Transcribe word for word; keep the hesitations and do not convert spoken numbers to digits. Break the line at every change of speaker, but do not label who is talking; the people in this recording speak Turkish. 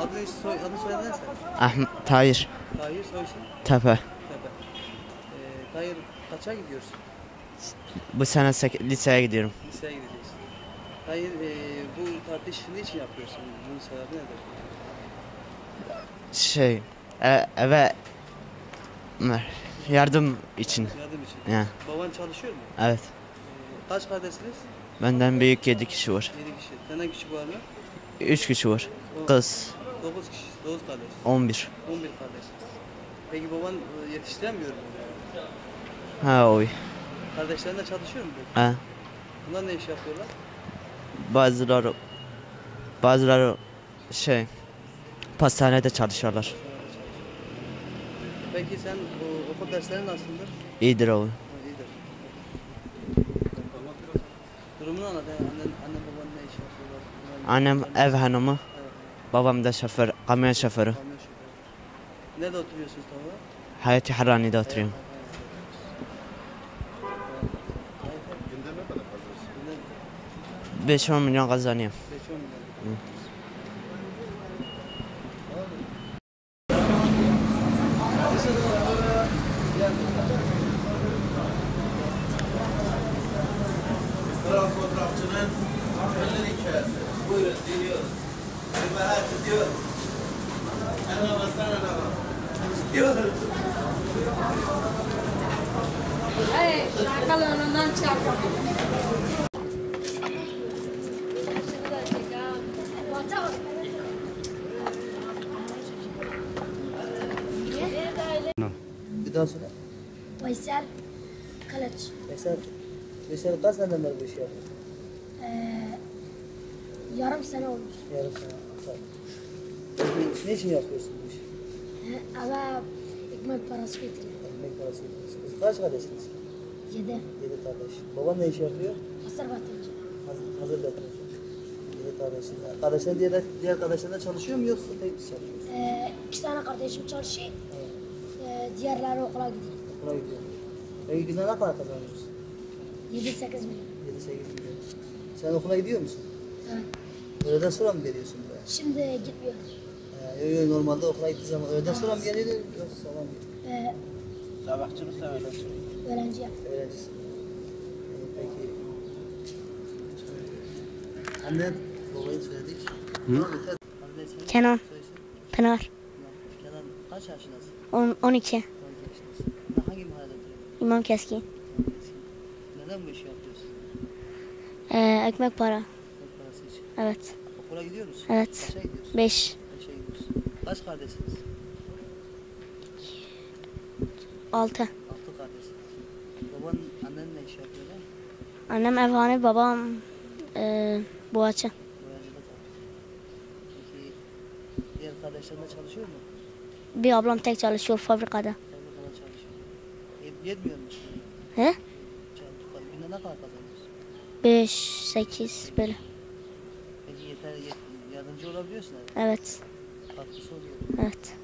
Adını soy, adını soyadın neyse?
Ahmet Tahir.
Tahir soy isim?
Tepe.
Tepe. Ee, Tahir kaça gidiyorsun?
Bu sene liseye gidiyorum.
Liseye gideceksin. Tahir e, bu tartış ne için yapıyorsun? Bunun sebebi nedir?
Şey, e, eve yardım için.
Yardım için.
Ya.
Baban çalışıyor mu?
Evet.
Ee, kaç kardeşsiniz?
Benden büyük yedi kişi var.
yedi kişi. Senden küçük var mı?
Üç kişi var.
O-
Kız
dokuz kişi. dokuz kardeş.
on bir.
on bir kardeş. Peki baban e, yetiştiremiyor mu?
Ha oy.
Kardeşlerin de çalışıyor mu? peki?
Ha.
Bunlar ne iş yapıyorlar?
Bazıları bazıları şey pastanede çalışıyorlar.
Peki sen bu okul dersleri nasıldır?
İyidir oğlum.
Ha, iyidir. Durumunu anlat. Yani annen, annen baban ne iş yapıyorlar? Bunlar-
Annem
bunlar-
ev hanımı,
Evet,
babam da şoför, kamyon şoförü.
kamyon şoförü. Nerede oturuyorsunuz tam olarak?
Hayati Harani'de oturuyorum.
Günde ne kadar kazanıyorsun?
beş on milyon kazanıyorum.
beş on milyon.
Fotoğraf fotoğrafçının elleri hikayesi. Buyurun dinliyoruz. Bir merak ediyor. Ana basana ana. Diyoruz.
Hey, şarkılı önünden çarpalım.
Bir daha söyle.
Veysel Kılıç.
Mesela, mesela kaç seneden beri bu işi yapıyorsun?
Ee, yarım sene olmuş.
Yarım sene. Tamam. Peki ne için yapıyorsun bu işi?
Ee, eve ekmek parası getiriyor.
Ekmek parası yapıyorsun. Siz kaç kardeşsiniz?
Yedi.
Yedi kardeş. Baban ne iş yapıyor?
Hasır batırıcı.
Hazır, hazır batırıcı. Yedi kardeşiniz. Kardeşler diğer, diğer kardeşlerine çalışıyor mu yoksa tek mi çalışıyorsun?
Ee, iki tane kardeşim çalışıyor.
Evet.
Ee, diğerleri okula gidiyor.
Okula gidiyor. Peki günde ne kadar kazanıyorsun?
Yedi sekiz milyon.
Yedi sekiz milyon. Sen okula gidiyor musun?
Evet.
Öğleden sonra mı geliyorsun buraya?
Şimdi gitmiyor.
Ee, yo, yo, normalde okula gittiği zaman öğleden sonra mı geliyor yoksa sabah mı geliyor?
Ee,
Sabahçılıksa öğlençılık.
öğrenciye.
Öğrencisin. Ee, peki. Annen babayı söyledik. Hı? Anne sen
Kenan.
soyisim?
Pınar.
Kenan kaç yaşındasın?
on, on iki.
on iki yaşındasın. Ne- Hangi mahallede oturuyorsun?
İmam Keskin.
Neden bu işi yapıyorsun?
Ee, ekmek para.
Ekmek parası için.
Evet.
Okula gidiyor musun?
Evet.
Kaça gidiyorsun?
beş.
Kaça gidiyorsun? Kaç kardeşsiniz?
altı.
Altı kardeşsiniz. Baban, annen ne iş yapıyorlar?
Annem evhane, babam e, boğaçı.
Öğrencide kalıyor. Peki diğer kardeşlerin de çalışıyor mu?
Bir ablam tek çalışıyor fabrikada.
Fabrikada çalışıyor. Yet- Yetmiyor mu?
He?
Çalışıyor. Günde ne kadar kazanıyorsun?
beş, sekiz böyle.
Peki yeter, yet- yardımcı olabiliyorsun herhalde.
Evet.
Katkısı oluyor.
Evet.